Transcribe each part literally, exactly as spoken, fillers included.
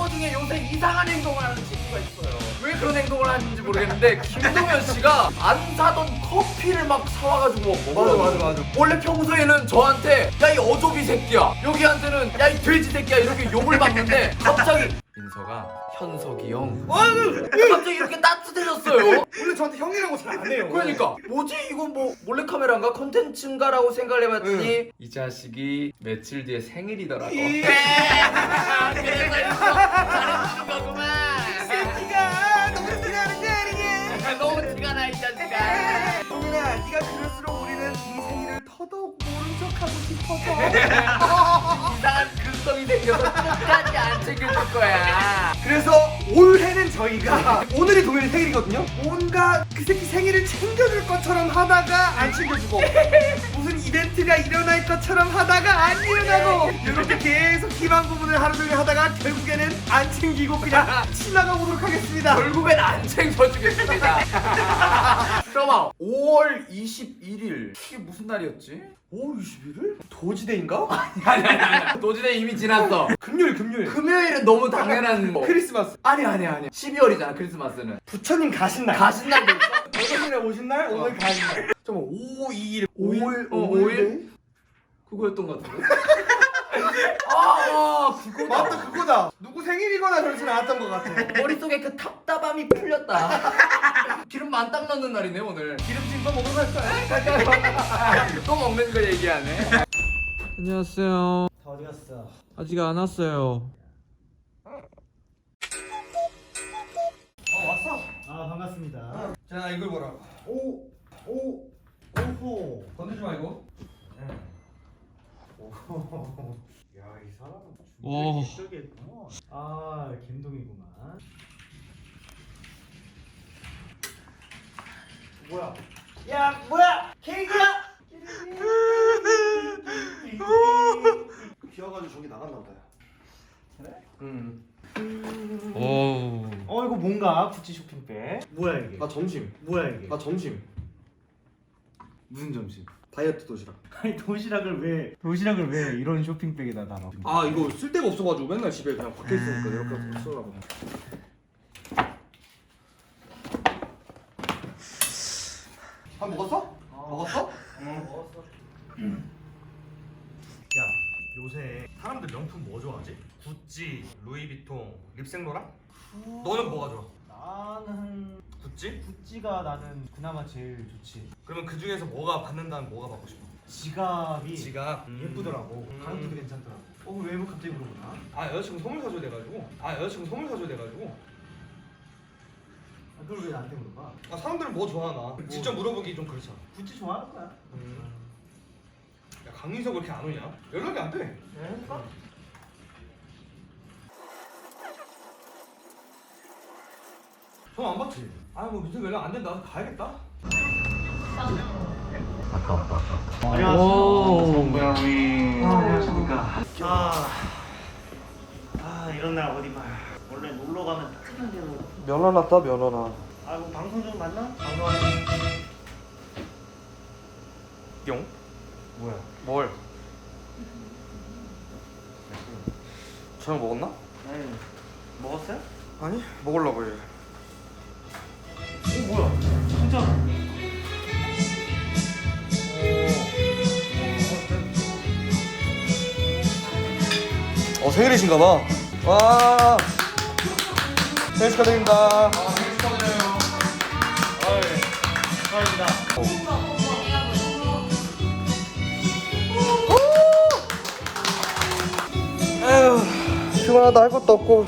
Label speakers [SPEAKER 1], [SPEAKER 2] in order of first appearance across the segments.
[SPEAKER 1] 친구 중에 요새 이상한 행동을 하는 친구가 있어요. 왜 그런 행동을 하는지 모르겠는데 김동현 씨가 안 사던 커피를 막 사와가지고 먹어요.
[SPEAKER 2] 맞아, 맞아, 맞아.
[SPEAKER 1] 원래 평소에는 저한테 야 이 어조비 새끼야, 여기한테는 야 이 돼지 새끼야 이렇게 욕을 받는데 갑자기 민서가 현석이 형 갑자기 이렇게 따뜻해졌어요.
[SPEAKER 2] 원래 저한테 형이라고 잘 안 해요.
[SPEAKER 1] 그러니까 뭐지 이건 뭐 몰래카메라인가 컨텐츠인가라고 생각을 해봤더니
[SPEAKER 2] 응.
[SPEAKER 1] 이 자식이 며칠 뒤에 생일이더라고.
[SPEAKER 2] 이-
[SPEAKER 1] 그래서 이거 잘해주는 거구만.
[SPEAKER 2] 새끼가 너무 티나는 게 아니냐.
[SPEAKER 1] 너무 티가 나 이 자식아.
[SPEAKER 2] 동현아, 네가 그럴수록 우리는 이 생일을 더더욱 모른 척하고 싶어서.
[SPEAKER 1] 이상한 근성이 생겨서 끝까지 안 챙겨줄 거야.
[SPEAKER 2] 그래서 올해는 저희가 오늘이 동현이 생일이거든요. 뭔가 그 새끼 생일을 챙겨줄 것처럼 하다가 안 챙겨주고 무슨 이벤트가 일어날 것처럼 하다가 안 일어나고 이렇게 계속 희망 부분을 하루 종일 하다가 결국에는 안 챙기고 그냥 지나가 보도록 하겠습니다.
[SPEAKER 1] 결국엔 안 챙겨주겠습니다. 잠깐만, 오월 이십일일 이게 무슨 날이었지?
[SPEAKER 2] 오월 이십일일? 도지대인가?
[SPEAKER 1] 아니 아니 아니 도지대 이미 지났어.
[SPEAKER 2] 금요일 금요일
[SPEAKER 1] 금요일은 너무 당연한 거.
[SPEAKER 2] 크리스마스.
[SPEAKER 1] 아니 아니 아니 십이월이잖아 크리스마스는.
[SPEAKER 2] 부처님 가신 날.
[SPEAKER 1] 가신 날도 있어?
[SPEAKER 2] 어머님이 오신 날, 오늘 가신 날. 잠깐만, 오, 이일,
[SPEAKER 1] 오일? 어,
[SPEAKER 2] 오일?
[SPEAKER 1] 오일? 그거였던 것 같은데? 아, 아 그거다.
[SPEAKER 2] 맞다, 그거다. 누구 생일이거나 그러진 않았던 것 같아.
[SPEAKER 1] 머릿속에 그 답답함이 풀렸다. 기름 만땅 넣는 날이네 오늘.
[SPEAKER 2] 기름진 거 먹으러 갈까요?
[SPEAKER 1] 또 먹는 거 얘기하네.
[SPEAKER 3] 안녕하세요.
[SPEAKER 2] 다 어디 갔어?
[SPEAKER 3] 아직 안 왔어요.
[SPEAKER 2] 어, 왔어.
[SPEAKER 4] 아 반갑습니다.
[SPEAKER 2] 자, 이걸 보라.
[SPEAKER 4] 오, 오, 오호.
[SPEAKER 2] 건들지 말고.
[SPEAKER 4] 오호. 야, 이 사람은
[SPEAKER 3] 오.
[SPEAKER 4] 준비를 했구나. 아, 김동이구만. 뭐야? 야, 뭐야? 케이크야?
[SPEAKER 2] 비와가지고 저기 나갔나 보다.
[SPEAKER 4] 그래?
[SPEAKER 2] 응.
[SPEAKER 3] 오.
[SPEAKER 4] 어, 이거 뭔가? 구찌 쇼핑백. 뭐야 이게?
[SPEAKER 2] 나 점심.
[SPEAKER 4] 뭐야 이게?
[SPEAKER 2] 나 점심. 무슨 점심? 다이어트 도시락.
[SPEAKER 4] 아니 도시락을 왜 도시락을 왜 이런 쇼핑백에다 놔?
[SPEAKER 2] 아, 이거 쓸 데가 없어가지고 맨날 집에 그냥 박혀 있으니까 이렇게 쓰려고. 밥 먹었어? 먹었어?
[SPEAKER 4] 응, 먹었어. 야, 요새 사람들 명품 뭐 좋아하지?
[SPEAKER 2] 구찌, 루이비통, 립생로랑? 너는 뭐가 좋아?
[SPEAKER 4] 나는
[SPEAKER 2] 구찌?
[SPEAKER 4] 구찌가 나는 그나마 제일 좋지.
[SPEAKER 2] 그러면 그 중에서 뭐가 받는다면 뭐가 받고 싶어?
[SPEAKER 4] 지갑이
[SPEAKER 2] 지갑.
[SPEAKER 4] 예쁘더라고.
[SPEAKER 2] 음.
[SPEAKER 4] 가격도 괜찮더라고. 어, 왜 뭐 갑자기 물어보나?
[SPEAKER 2] 아, 여자친구 선물 사줘야 돼가지고. 아, 여자친구 선물 사줘야 돼가지고.
[SPEAKER 4] 아, 그걸 왜 나한테 물어봐?
[SPEAKER 2] 아, 사람들은 뭐 좋아하나? 직접 물어보기 좀 그렇잖아.
[SPEAKER 4] 구찌 좋아하는 거야.
[SPEAKER 2] 야, 강민석 왜 이렇게 안 오냐? 연락이 안 돼.
[SPEAKER 4] 네, 해볼까?
[SPEAKER 2] 전화 안 받지? 아, 뭐 민석 연락 안 된다. 가야겠다.
[SPEAKER 4] 안녕하세요. 안녕하십니까. 아, 아 이런 날 어디 봐. 원래 놀러 가면 따뜻한 데로.
[SPEAKER 2] 면허 났다, 면허나.
[SPEAKER 4] 아, 뭐 방송 좀 맞나? 방송.
[SPEAKER 2] 용?
[SPEAKER 4] 뭐야?
[SPEAKER 2] 뭘? 저녁 먹었나?
[SPEAKER 4] 네. 먹었어요?
[SPEAKER 2] 아니, 먹으려고 해.
[SPEAKER 4] 오, 뭐야? 진짜.
[SPEAKER 2] 어, 생일이신가 봐. 와. 생일 축하드립니다.
[SPEAKER 4] 아, 예. 감사합니다.
[SPEAKER 2] 에휴, 피곤하다. 할 것도 없고.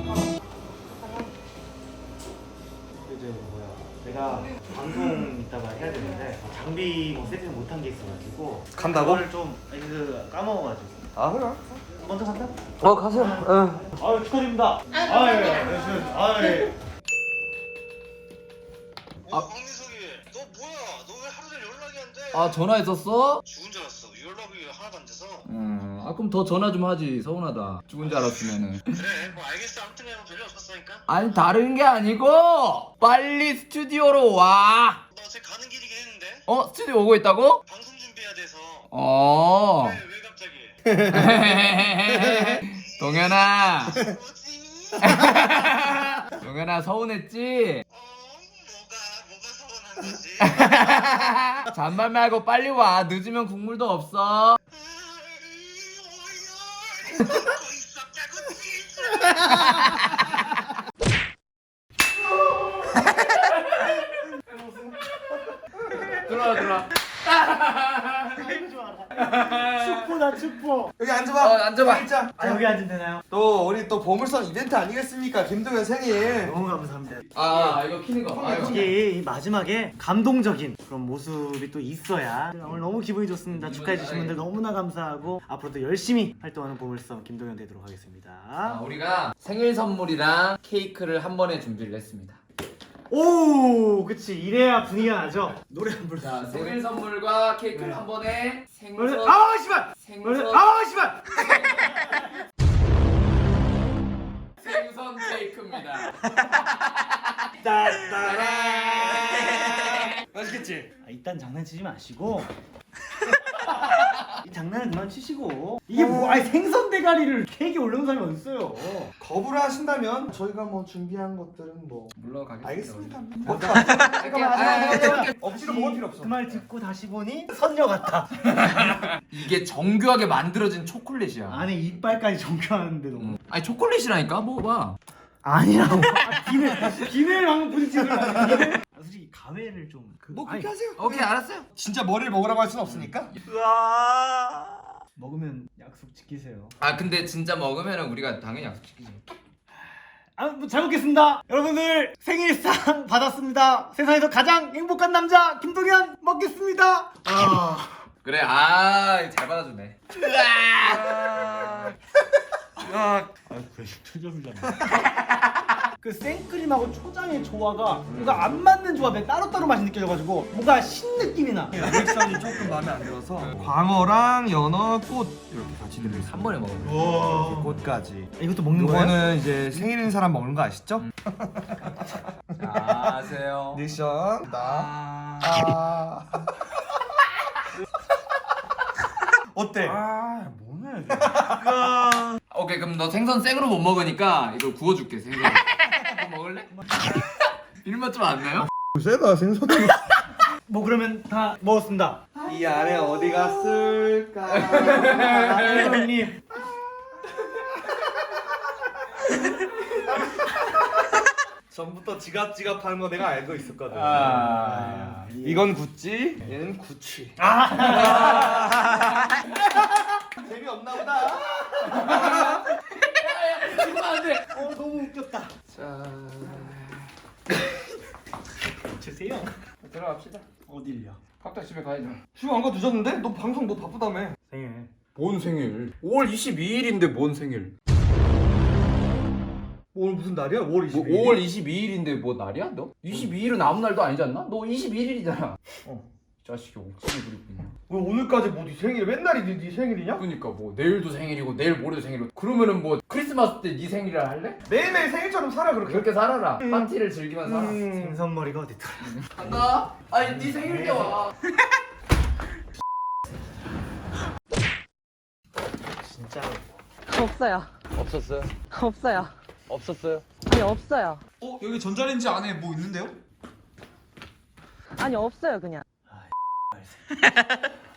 [SPEAKER 4] 이제 뭐야? 내가 방송 이따가 해야 되는데 장비 뭐 세팅 못한 게 있어가지고.
[SPEAKER 2] 간다고?
[SPEAKER 4] 그걸 좀 아니, 그 까먹어가지고.
[SPEAKER 2] 아, 그래.
[SPEAKER 4] 먼저 간다?
[SPEAKER 2] 어, 가세요. 응.
[SPEAKER 4] 아유 축하드립니다. 아 예. 아 예.
[SPEAKER 5] 어, 강민석이 너 뭐야? 너 왜 하루 종일 연락이 안 돼?
[SPEAKER 1] 아 전화했었어?
[SPEAKER 5] 죽은 줄 알았어. 연락이 하나도 안 돼서.
[SPEAKER 1] 음, 아 그럼 더 전화 좀 하지. 서운하다. 죽은 줄 알았으면은.
[SPEAKER 5] 그래, 뭐 알겠어. 아무튼 내가 별일 없었으니까.
[SPEAKER 1] 아니 다른 게 아니고 빨리 스튜디오로 와.
[SPEAKER 5] 너 어제 가는 길이긴 했는데
[SPEAKER 1] 어 스튜디오 오고 있다고?
[SPEAKER 5] 방송 준비해야 돼서.
[SPEAKER 1] 어.
[SPEAKER 5] 왜, 왜 갑자기?
[SPEAKER 1] 동현아.
[SPEAKER 5] 뭐지?
[SPEAKER 1] 용현아 서운했지?
[SPEAKER 5] 어 뭐가 뭐가 서운한 거지?
[SPEAKER 1] 잔말 말고 빨리 와. 늦으면 국물도 없어.
[SPEAKER 5] 먹고 있었다고 진짜.
[SPEAKER 1] 들어와 들어와.
[SPEAKER 4] 축포다 축포.
[SPEAKER 2] 여기
[SPEAKER 1] 어
[SPEAKER 2] 앉아봐.
[SPEAKER 1] 앉아봐.
[SPEAKER 2] 진짜.
[SPEAKER 4] 아 여기 앉으면 되나요?
[SPEAKER 2] 또 우리 또 보물선 이벤트 아니겠습니까? 김동현 생일.
[SPEAKER 4] 너무 감사합니다.
[SPEAKER 1] 아 이거 키는 거. 아유.
[SPEAKER 4] 이게 이 마지막에 감동적인 그런 모습이 또 있어야 오늘 너무 기분이 좋습니다. 축하해 주신 분들 너무나 감사하고 앞으로도 열심히 활동하는 보물섬 김동현 되도록 하겠습니다.
[SPEAKER 1] 아, 우리가 생일 선물이랑 케이크를 한 번에 준비를 했습니다.
[SPEAKER 4] 오, 그치 이래야 분위기가 나죠. 노래 한 번.
[SPEAKER 1] 자 생일 선물과 케이크를 한 번에 생선.
[SPEAKER 4] 아 씨발.
[SPEAKER 1] 생선.
[SPEAKER 4] 아 씨발.
[SPEAKER 1] 생선 케이크입니다.
[SPEAKER 4] 따따라. 맛있겠지? 아, 일단 장난치지 마시고 이 장난은 그만 치시고 이게 뭐 아니 생선 대가리를 케이크에 올려놓은 사람이 어딨어요.
[SPEAKER 2] 거부를 하신다면 저희가 뭐 준비한 것들은 뭐
[SPEAKER 1] 물론 가겠습니다.
[SPEAKER 2] 알겠습니다.
[SPEAKER 1] 우리.
[SPEAKER 2] 뭐
[SPEAKER 1] 잠깐만, 아,
[SPEAKER 2] 억지로 먹을 필요 없어.
[SPEAKER 4] 그 말 듣고 다시 보니 선녀 같다.
[SPEAKER 1] 이게 정교하게 만들어진 초콜릿이야.
[SPEAKER 4] 안에 이빨까지 정교하는데 너무.
[SPEAKER 1] 음. 아니 초콜릿이라니까 먹어봐.
[SPEAKER 4] 아니라고. 아, 비늘 비늘 방금 부딪히는 거 비늘. 아, 솔직히 가회를 좀. 그,
[SPEAKER 2] 뭐
[SPEAKER 4] 아니,
[SPEAKER 2] 그렇게 하세요.
[SPEAKER 1] 오케이 알았어요.
[SPEAKER 2] 진짜 머리를 먹으라고 할 수는 없으니까.
[SPEAKER 4] 먹으면 약속 지키세요.
[SPEAKER 1] 아 근데 진짜 먹으면은 우리가 당연히 약속 지키지.
[SPEAKER 4] 아, 뭐 잘 먹겠습니다. 여러분들 생일상 받았습니다. 세상에서 가장 행복한 남자 김동현 먹겠습니다. 아.
[SPEAKER 1] 그래 아잘 받아주네.
[SPEAKER 4] 아, 그래 초점이잖아. 그 생크림하고 초장의 조화가 뭔가 안 맞는 조합에 따로따로 맛이 느껴져가지고 뭔가 신 느낌이 나.
[SPEAKER 2] 리액션이 조금 마음에 안 들어서 광어랑 연어, 꽃 이렇게 같이 들어있어요.
[SPEAKER 1] 한 번에 먹어.
[SPEAKER 2] 이렇게 꽃까지.
[SPEAKER 4] 이것도 먹는 거예요?
[SPEAKER 2] 이거는 이제 생일인 사람 먹는 거 아시죠?
[SPEAKER 1] 자 하세요.
[SPEAKER 2] 리액션. 나. 아. 어때? 아, 뭐네.
[SPEAKER 1] 오케이 그럼 너 생선 생으로 못 먹으니까 이걸 구워줄게 생선. 너 먹을래? 이런 좀 안 나요?
[SPEAKER 2] 세다 생선이.
[SPEAKER 4] 뭐 그러면 다 먹었습니다.
[SPEAKER 2] 이 안에 어디 갔을까?
[SPEAKER 4] 형님.
[SPEAKER 2] 전부터 지갑 지갑 하는 거 내가 알고 있었거든.
[SPEAKER 1] 아.
[SPEAKER 2] 이건 구찌, 얘는 구취. 재미없나 보다.
[SPEAKER 1] 안돼.
[SPEAKER 4] 어 너무 웃겼다.
[SPEAKER 1] 자
[SPEAKER 4] 주세요.
[SPEAKER 1] 들어갑시다.
[SPEAKER 4] 어딜요?
[SPEAKER 1] 각자 집에 가야죠.
[SPEAKER 2] 지금 안 가 늦었는데? 너 방송 너 바쁘다며.
[SPEAKER 4] 생일.
[SPEAKER 1] 뭔 생일? 오월 이십이일인데 뭔 생일?
[SPEAKER 2] 오늘 무슨 날이야? 오월
[SPEAKER 1] 뭐
[SPEAKER 2] 이십일.
[SPEAKER 1] 오월 이십이일인데 뭐 날이야 너? 이십이일은 아무 날도 아니지 않나? 너 이십일일이잖아. 어. 이 자식이 억지를 부리고 있냐?
[SPEAKER 2] 왜 오늘까지 뭐 네 생일 맨날이 네, 네 생일이냐?
[SPEAKER 1] 그러니까 뭐 내일도 생일이고 내일 모레도 생일이고 그러면은 뭐 크리스마스 때 네 생일이라 할래?
[SPEAKER 2] 매일매일 생일처럼 살아 그렇게.
[SPEAKER 1] 그렇게 살아라. 파티를 즐기면서 살아.
[SPEAKER 2] 음.
[SPEAKER 4] 생선머리가 어딨더라?
[SPEAKER 1] 간다. 아니 네 생일 때 와.
[SPEAKER 4] 진짜.
[SPEAKER 6] 없어요.
[SPEAKER 1] 없었어요?
[SPEAKER 6] 없어요.
[SPEAKER 1] 없었어요?
[SPEAKER 6] 아니 없어요.
[SPEAKER 3] 어 여기 전자레인지 안에 뭐 있는데요?
[SPEAKER 6] 아니 없어요 그냥.